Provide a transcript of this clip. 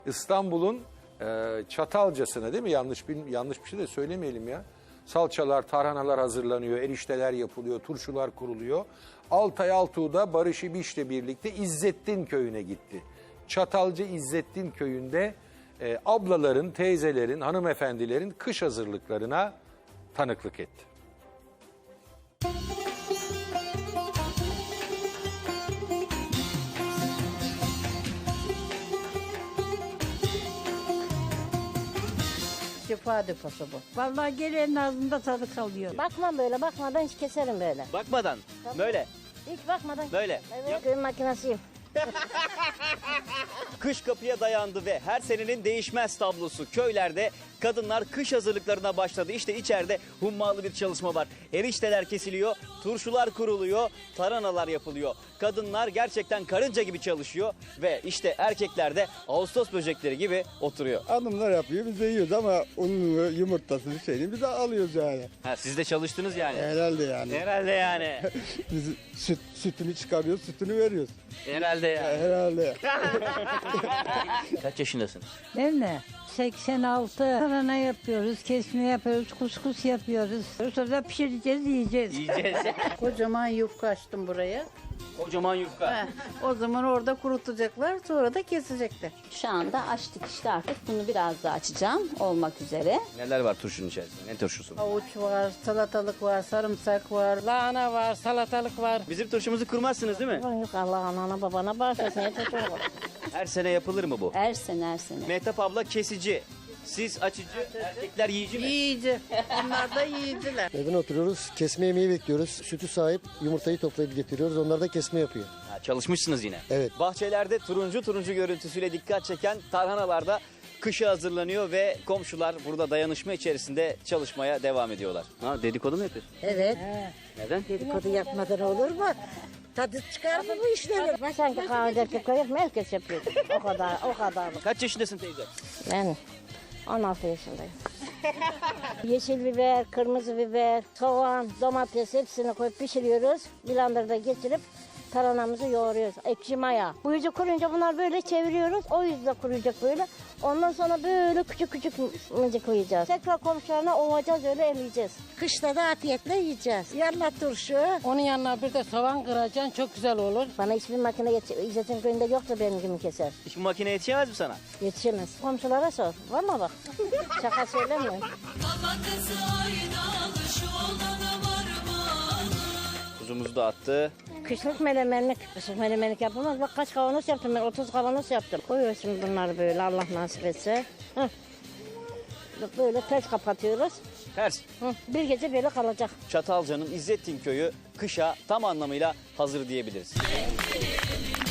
İstanbul'un Çatalcası'na, değil mi? Yanlış bir şey de söylemeyelim ya. Salçalar, tarhanalar hazırlanıyor, erişteler yapılıyor, turşular kuruluyor. Altay Altuğ'da Barış İbiş'le birlikte İzzettin köyüne gitti. Çatalca İzzettin köyünde ablaların, teyzelerin, hanımefendilerin kış hazırlıklarına tanıklık etti. Şifa deposu bu. Vallahi gelenin ağzında tadı kalıyor. Bakma böyle, bakmadan hiç keserim böyle. Bakmadan, böyle, Hiç bakmadan. böyle. Evet, kıyım makinesiyim. Kış kapıya dayandı ve her senenin değişmez tablosu. Köylerde kadınlar kış hazırlıklarına başladı. İşte içeride hummalı bir çalışma var. Erişteler kesiliyor, turşular kuruluyor, tarhanalar yapılıyor. Kadınlar gerçekten karınca gibi çalışıyor ve işte erkekler de Ağustos böcekleri gibi oturuyor. Hanımlar yapıyor, biz de yiyoruz ama ununu, yumurtasını, şeyini biz de alıyoruz yani. Ha, siz de çalıştınız yani. Herhalde yani. Herhalde yani. Biz sütünü çıkarıyoruz, sütünü veriyoruz. Herhalde yani. Herhalde. Kaç yaşındasın? Değil mi? 86. Tarhana yapıyoruz, kesme yapıyoruz, kuskus yapıyoruz. Sonra pişireceğiz, yiyeceğiz. Yiyeceğiz. Kocaman yufka açtım buraya. Kocaman yufka. O zaman orada kurutacaklar, sonra da kesecekler. Şu anda açtık işte artık. Bunu biraz daha açacağım olmak üzere. Neler var turşunun içerisinde? Ne turşusu? Havuç var, salatalık var, sarımsak var. Lahana var, salatalık var. Bizim turşumuzu kurmazsınız değil mi? Yok Allah anana babana bağışlasın. Yeter çok olur. Her sene yapılır mı bu? Her sene her sene. Mehtap abla kesici. Siz açıcı, erkekler yiyici mi? Yiyici. Onlar da yiyiciler. Evden oturuyoruz, kesme yemeği bekliyoruz. Sütü sahip yumurtayı toplayıp getiriyoruz. Onlar da kesme yapıyor. Ha, çalışmışsınız yine. Evet. Bahçelerde turuncu turuncu görüntüsüyle dikkat çeken tarhanalarda kışa hazırlanıyor ve komşular burada dayanışma içerisinde çalışmaya devam ediyorlar. Ha, dedikodu mu yapıyorsun? Evet. Neden? Dedikodu yapmadan olur mu? Tadı çıkar mı bu işlerin? Ben sanki kahvede koyup herkes yapıyor. O kadar. Kaç yaşındasın teyze? Ben 16 yaşındayım. Yeşil biber, kırmızı biber, soğan, domates hepsini koyup pişiriyoruz. Blenderda geçirip tarhanamızı yoğuruyoruz. Ekşi maya. Bu yüzü kurunca bunlar böyle çeviriyoruz. O yüzde kuruyacak böyle. Ondan sonra böyle küçük küçük mıcık koyacağız. Tekrar komşularına ovacağız, öyle eleyeceğiz. Kışta da afiyetle yiyeceğiz. Yanına turşu. Onun yanına bir de soğan kıracaksın, çok güzel olur. Bana hiçbir makine İzzet'in köyünde yoksa benim gibi keser. Hiçbir makine yetişemez mi sana? Yetişemez. Komşulara sor. Var mı bak? Şaka söylemiyorum. Tuzumuzu da attı. Kışlık melemenlik yapılmaz. Bak kaç kavanoz yaptım ben, 30 kavanoz yaptım. Koyuyoruz şimdi bunları böyle Allah nasip etse. Heh. Böyle ters kapatıyoruz. Ters. Hı. Bir gece böyle kalacak. Çatalca'nın İzzettin köyü kışa tam anlamıyla hazır diyebiliriz.